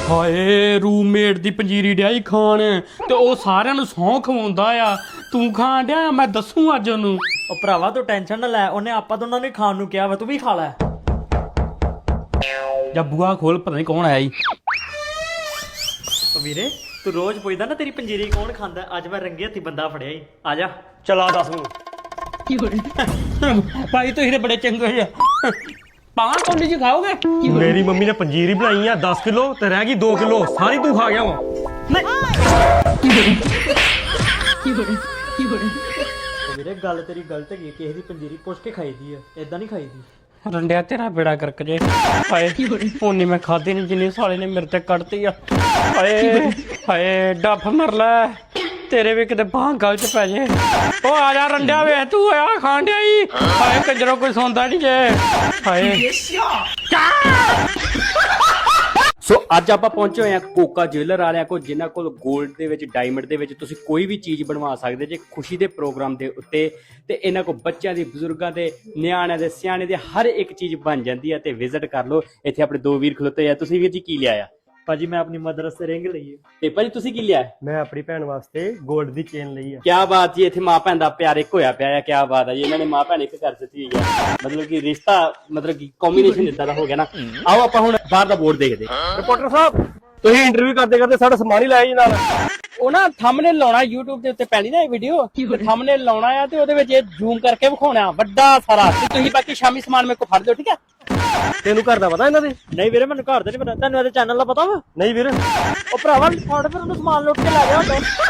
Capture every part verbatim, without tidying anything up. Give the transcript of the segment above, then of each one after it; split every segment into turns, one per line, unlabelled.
ਹਾਏ ਰੂਮਮੇਟ ਦੀ ਪੰਜੀਰੀ ਡਿਆਈ ਖਾਣ ਤੇ ਉਹ ਸਾਰਿਆਂ ਨੂੰ ਸੌਂ ਖਵਾਉਂਦਾ ਆ। ਤੂੰ ਖਾਣ ਡਿਆ, ਮੈਂ ਦੱਸੂ ਅੱਜ ਉਹਨੂੰ।
ਉਹ ਭਰਾਵਾ ਤੂੰ ਟੈਨਸ਼ਨ ਨਾ ਲੈ, ਉਹਨੇ ਆਪਾਂ ਦੋਨਾਂ ਨੂੰ ਖਾਣ ਨੂੰ ਕਿਹਾ ਵਾ, ਤੂੰ ਵੀ ਖਾ ਲੈ।
ਜਾਂ ਬੂਆ ਖੋਲ, ਪਤਾ ਨਹੀਂ ਕੌਣ ਆਇਆ ਜੀ।
ਉਹ ਵੀਰੇ ਤੂੰ ਰੋਜ਼ ਪੁੱਛਦਾ ਨਾ ਤੇਰੀ ਪੰਜੀਰੀ ਕੌਣ ਖਾਂਦਾ, ਅੱਜ ਮੈਂ ਰੰਗੇ ਹੱਥੀ ਬੰਦਾ ਫੜਿਆ ਈ। ਆ ਜਾ
ਚਲਾ ਦੱਸ ਮੈਨੂੰ।
ਭਾਈ ਤੁਸੀਂ ਤੇ ਬੜੇ ਚੰਗੇ ਆ। ਪਾਵਾਂ ਕੌਲੀ ਜੀ ਖਾਓਗੇ?
ਮੇਰੀ ਮੰਮੀ ਨੇ ਪੰਜੀਰੀ ਬਣਾਈ ਆ ਦਸ ਕਿਲੋ ਤੇ ਰਹਿ ਗਈ ਦੋ ਕਿਲੋ, ਸਾਰੀ ਤੂੰ ਖਾ ਗਿਆ ਵਾ।
ਵੀਰੇ ਗੱਲ ਤੇਰੀ ਗਲਤ ਹੈਗੀ, ਕਿਸੇ ਦੀ ਪੰਜੀਰੀ ਪੁੱਛ ਕੇ ਖਾਈਦੀ ਆ, ਏਦਾਂ ਨਹੀਂ ਖਾਈਦੀ।
ਰੰਡਿਆ ਤੇਰਾ ਬੇੜਾ ਕਰਕ ਜੇ। ਹਾਏ ਉਨੀ ਮੈਂ ਖਾਦੀ ਨਹੀਂ ਜਿੰਨੀ ਸਾਲੇ ਨੇ ਮੇਰੇ ਤੇ ਕੱਢਤੀ ਆ। ਹਾਏ ਹਾਏ ਡੱਫ ਮਰ ਲੈ, ਤੇਰੇ ਵੀ ਕਿਤੇ ਬਾਂਹ ਗਲ ਚ ਪੈ ਜੇ। ਉਹ ਆ ਜਾ ਰੰਡਿਆ ਵੇ, ਤੂੰ ਆ ਖਾਣ ਡਿਆ ਈ। ਹਾਏ ਕੰਜਰੋਂ ਕੋਈ ਸੌਂਦਾ ਨਹੀਂ ਜੇ। ਹਾਏ ਸੋ ਅੱਜ ਆਪਾਂ ਪਹੁੰਚੇ ਹੋਏ ਆ ਕੋਕਾ ਜੁਐਲਰ ਵਾਲਿਆਂ ਕੋਲ, ਜਿਨ੍ਹਾਂ ਕੋਲ 골ਡ ਦੇ ਵਿੱਚ, ਡਾਇਮੰਡ ਦੇ ਵਿੱਚ ਤੁਸੀਂ ਕੋਈ ਵੀ ਚੀਜ਼ ਬਣਵਾ ਸਕਦੇ ਜੇ ਖੁਸ਼ੀ ਦੇ ਪ੍ਰੋਗਰਾਮ ਦੇ ਉੱਤੇ। ਤੇ ਇਹਨਾਂ ਕੋਲ ਬੱਚਿਆਂ ਦੀ, ਬਜ਼ੁਰਗਾਂ ਦੇ, ਨਿਆਣਿਆਂ ਦੇ, ਸਿਆਣੇ ਦੇ ਹਰ ਇੱਕ ਚੀਜ਼ ਬਣ ਜਾਂਦੀ ਹੈ। ਤੇ ਵਿਜ਼ਿਟ ਕਰ ਲਓ। ਇੱਥੇ ਆਪਣੇ ਦੋ ਵੀਰ ਖਲੋਤੇ ਆ। ਤੁਸੀਂ ਵੀਰ ਜੀ ਕੀ ਲਿਆ ਆ?
ਭਾਜੀ ਮੈਂ ਆਪਣੀ ਮਦਰ ਵਾਸਤੇ ਰਿੰਗ ਲਈ ਹੈ।
ਤੇ ਭਾਜੀ ਤੁਸੀਂ ਕੀ ਲਿਆ?
ਮੈਂ ਆਪਣੀ ਭੈਣ ਵਾਸਤੇ 골ਡ ਦੀ ਚੇਨ ਲਈ ਆ।
ਕਿਆ ਬਾਤ ਜੀ, ਇੱਥੇ ਮਾਂ ਭੈਣ ਦਾ ਪਿਆਰ ਇੱਕ ਹੋਇਆ ਪਿਆ ਆ। ਕਿਆ ਬਾਤ ਹੈ ਜੀ, ਇਹਨਾਂ ਨੇ ਮਾਂ ਭੈਣ ਇੱਕ ਕਰ ਦਿੱਤੀ ਹੋਈ ਹੈ। ਮਤਲਬ ਕਿ ਰਿਸ਼ਤਾ, ਮਤਲਬ ਕਿ ਕੰਬੀਨੇਸ਼ਨ ਇਦਾਂ ਦਾ ਹੋ ਗਿਆ ਨਾ। ਆਓ ਆਪਾਂ ਹੁਣ ਬਾਹਰ ਦਾ ਬੋਰਡ ਦੇਖਦੇ।
ਰਿਪੋਰਟਰ ਸਾਹਿਬ ਤੁਸੀਂ ਇੰਟਰਵਿਊ ਕਰਦੇ ਕਰਦੇ ਸਾਡਾ ਸਮਾਨ ਹੀ ਲਾਇਆ ਜੀ ਨਾਲ।
ਉਹ ਨਾ ਥੰਬਨੇਲ ਲਾਉਣਾ YouTube ਦੇ ਉੱਤੇ ਪੈਣੀ ਨਾ ਇਹ ਵੀਡੀਓ, ਥੰਬਨੇਲ ਲਾਉਣਾ ਆ ਤੇ ਉਹਦੇ ਵਿੱਚ ਇਹ ਜ਼ੂਮ ਕਰਕੇ ਵਿਖਾਉਣਾ ਵੱਡਾ ਸਾਰਾ। ਤੇ ਤੁਸੀਂ ਬਾਕੀ ਸ਼ਾਮੀ ਸਮਾਨ ਮੇਰੇ ਕੋਲ ਫੜ ਲਿਓ, ਠੀਕ ਹੈ?
ਤੈਨੂੰ ਘਰ ਦਾ ਪਤਾ ਇਹਨਾਂ ਦੇ?
ਨਹੀਂ ਵੀਰੇ ਮੈਨੂੰ ਘਰ ਦਾ ਨਹੀਂ ਪਤਾ, ਤੈਨੂੰ ਇਹਦੇ ਚੈਨਲ ਦਾ ਪਤਾ ਵਾ?
ਨਹੀਂ ਵੀਰ।
ਉਹ ਭਰਾਵਾ ਫੜ ਫਿਰ ਉਹਨੂੰ ਸਮਾਨ ਲੁੱਟ ਕੇ ਲੈ ਜਾ।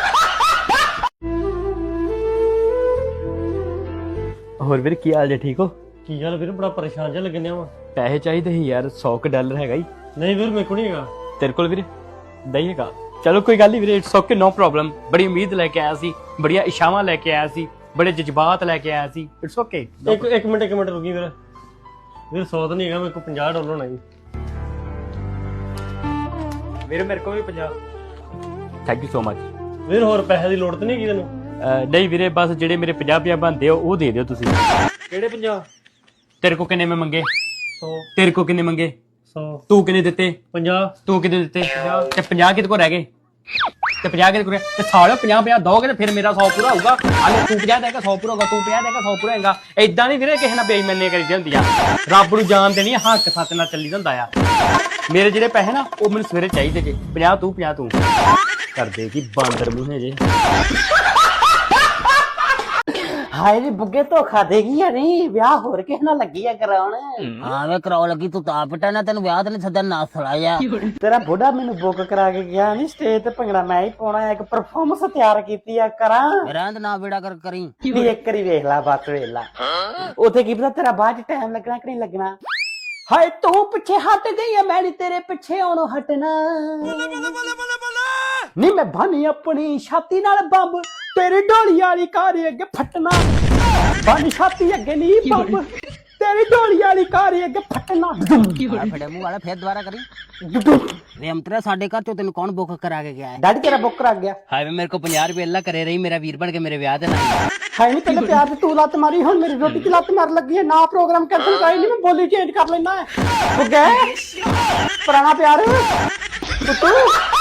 ਹੋਰ ਵੀਰ ਕੀ ਹਾਲ ਜੇ, ਠੀਕ ਹੋ?
ਕੀ ਗੱਲ ਵੀਰ, ਬੜਾ ਪਰੇਸ਼ਾਨ ਜਿਹਾ ਲੱਗਣ ਡਿਆ ਵਾ।
ਪੈਸੇ ਚਾਹੀਦੇ ਸੀ ਯਾਰ, ਸੌ ਕੁ ਡਾਲਰ ਹੈਗਾ ਹੀ
ਨਹੀਂ ਵੀਰ ਮੇਰੇ ਕੋਲ ਨਹੀਂ ਹੈਗਾ।
ਤੇਰੇ ਕੋਲ ਵੀਰੇ? ਨਹੀਂ ਹੈਗਾ? ਚਲੋ ਕੋਈ ਗੱਲ ਨਹੀਂ ਵੀਰੇ, ਇਟਸ ਓਕੇ, ਨੋ ਪ੍ਰੋਬਲਮ। ਬੜੀ ਉਮੀਦ ਲੈ ਕੇ ਆਇਆ ਸੀ, ਬੜੀਆਂ ਇਸ਼ਾਵਾਂ ਲੈ ਕੇ ਆਇਆ ਸੀ, ਬੜੇ ਜਜ਼ਬਾਤ ਲੈ ਕੇ ਆਇਆ ਸੀ। It's okay.
ਇੱਕ ਇੱਕ ਮਿੰਟ ਇੱਕ ਮਿੰਟ ਰੁਕੀ ਵੀਰ। ਵੀਰ ਸੌ ਤਾਂ ਨਹੀਂ ਹੈਗਾ, ਮੇਰੇ ਕੋਲ ਪੰਜਾਹ ਡਾਲਰ ਹੋਣਾ ਜੀ।
ਵੀਰੇ ਮੇਰੇ ਕੋਲ ਵੀ ਪੰਜਾਹ।
ਥੈਂਕ ਯੂ ਸੋ ਮਚ
ਵੀਰ ਹੋਰ ਪੈਸੇ ਦੀ ਲੋੜ ਤਾਂ ਨਹੀਂ ਹੈਗੀ ਤੈਨੂੰ?
ਨਹੀਂ ਵੀਰੇ, ਬਸ ਜਿਹੜੇ ਮੇਰੇ ਪੰਜਾਹ ਪੰਜਾਹ ਬਣਦੇ ਹੋ ਉਹ ਦੇ ਦਿਓ ਤੁਸੀਂ।
ਕਿਹੜੇ ਪੰਜਾਹ?
ਤੇਰੇ ਕੋ ਕਿੰਨੇ ਮੈਂ ਮੰਗੇ?
ਸੌ।
ਤੇਰੇ ਕੋ ਕਿੰਨੇ ਮੰਗੇ?
ਸੌ।
ਤੂੰ ਕਿੰਨੇ ਦਿੱਤੇ?
ਪੰਜਾਹ।
ਤੂੰ ਕਿੰਨੇ ਦਿੱਤੇ? ਤੇ ਪੰਜਾਹ ਕਿਹਦੇ ਕੋ ਰਹਿ ਗਏ? ਤੇ ਪੰਜਾਹ ਕਿਹਦੇ ਕੋ ਰਹਿ ਤੇ ਸਾਲਿਓ ਪੰਜਾਹ ਪੰਜਾਹ ਦੋਗੇ ਤੇ ਫਿਰ ਮੇਰਾ ਸੌ ਪੂਰਾ ਹੋਊਗਾ। ਹਾਲੇ ਤੂੰ ਪੰਜਾਹ ਦੇਗਾ ਸੌ ਪੂਰਾ ਹੋਊਗਾ, ਤੂੰ ਪੰਜਾਹ ਦੇਗਾ ਸੌ ਪੂਰਾ ਹੋਏਗਾ। ਏਦਾਂ ਨਹੀਂ ਵੀਰੇ ਕਿਸੇ ਨਾਲ ਬੇਈਮਾਨੀ ਕਰੀ ਹੁੰਦੀ ਆ। ਰੱਬ ਨੂੰ ਜਾਣ ਦੇਣੀ ਆ, ਹੱਕ ਸੱਚ ਨਾਲ ਚੱਲੀ ਹੁੰਦਾ ਆ। ਮੇਰੇ ਜਿਹੜੇ ਪੈਸੇ ਨਾ ਉਹ ਮੈਨੂੰ ਸਵੇਰੇ ਚਾਹੀਦੇ ਜੇ। ਪੰਜਾਹ ਤੂੰ ਪੰਜਾਹ ਤੂੰ ਕਰਦੇ ਕੀ ਬਾਂਦਰ ਮੂੰਹੇ ਜੇ।
ਹਾਏ ਨੀ ਬੁੱਗੇ ਧੋਖਾ ਦੇਗੀ ਆ ਨਹੀਂ, ਵਿਆਹ ਹੋਰ ਕਿਸੇ ਨਾਲ ਲੱਗੀ ਆ ਕਰਾਉਣ।
ਹਾਂ ਵੇ ਕਰਾਉ ਲੱਗੀ, ਤੂੰ ਤਾਂ ਪਿੱਟਾ ਨਾ, ਤੈਨੂੰ ਵਿਆਹ ਤੇ ਨਹੀਂ ਸੱਦਣ ਨਾ ਸਲਾਇਆ।
ਤੇਰਾ ਬੁੱਢਾ ਮੈਨੂੰ ਬੁੱਕ ਕਰਾ ਕੇ ਗਿਆ ਨਹੀਂ, ਸਟੇਜ ਤੇ ਭੰਗੜਾ ਮੈਂ ਹੀ ਪਾਉਣਾ, ਇੱਕ ਪਰਫਾਰਮੈਂਸ ਤਿਆਰ ਕੀਤੀ ਆ ਕਰਾਂ।
ਰਹਿੰਦ ਨਾ ਬੇੜਾ ਕਰ ਕਰੀ।
ਵੀ ਇੱਕ ਵਾਰੀ ਵੇਖ ਲੈ, ਬਸ ਵੇਖ ਲੈ। ਉੱਥੇ ਕੀ ਪਤਾ ਤੇਰਾ ਬਾਅਦ ਚ ਟਾਈਮ ਲੱਗਣਾ ਕਿ ਨਹੀਂ ਲੱਗਣਾ। ਹਾਏ ਤੂੰ ਪਿੱਛੇ ਹਟ ਗਈ ਆ, ਮੈਂ ਨੀ ਤੇਰੇ ਪਿੱਛੇ ਆਉਣੋਂ ਹਟਣਾ। ਨੀ ਮੈਂ ਬਾਨੀ ਆਪਣੀ ਛਾਤੀ ਨਾਲ ਬੰਬ, ਤੇਰੀ ਢੋਲੀ ਵਾਲੀ ਕਾਰ ਅੱਗੇ ਫਟਣਾ। ਬਾਨੀ ਛਾਤੀ ਅੱਗੇ ਨਹੀਂ ਬੰਬ, ਤੇਰੀ ਢੋਲੀ ਵਾਲੀ ਕਾਰ ਅੱਗੇ ਫਟਣਾ।
ਫੜੇ ਮੂੰਹ ਵਾਲਾ ਫੇਰ ਦੁਬਾਰਾ ਕਰੀ। ਵੇ ਅੰਤਰਾ ਸਾਡੇ ਘਰ ਚੋਂ ਤੈਨੂੰ ਕੌਣ ਬੁੱਕ ਕਰਾ ਕੇ ਗਿਆ ਹੈ?
ਡੈਡੀ ਤੇਰਾ ਬੁੱਕ ਕਰਾ ਗਿਆ।
ਹਾਏ ਵੇ ਮੇਰੇ ਕੋ ਪੰਜਾਹ ਰੁਪਏ ਅੱਲਾ ਕਰੇ ਰਹੀ, ਮੇਰਾ ਵੀਰ ਬਣ ਕੇ ਮੇਰੇ ਵਿਆਹ ਤੇ ਨਾ।
ਹਾਏ ਨੀ ਪਹਿਲੇ ਪਿਆਰ ਤੇ ਤੂੰ ਲੱਤ ਮਾਰੀ, ਹੁਣ ਮੇਰੀ ਰੋਟੀ ਦੀ ਲੱਤ ਮਾਰ ਲੱਗੀ ਹੈ ਨਾ। ਪ੍ਰੋਗਰਾਮ ਕੈਂਸਲ ਕਰਾਈ ਨਹੀਂ, ਮੈਂ ਬੋਲੀ ਚੇਂਜ ਕਰ ਲੈਣਾ। ਉਹ ਗਏ ਪੁਰਾਣਾ ਪਿਆਰ ਤੂੰ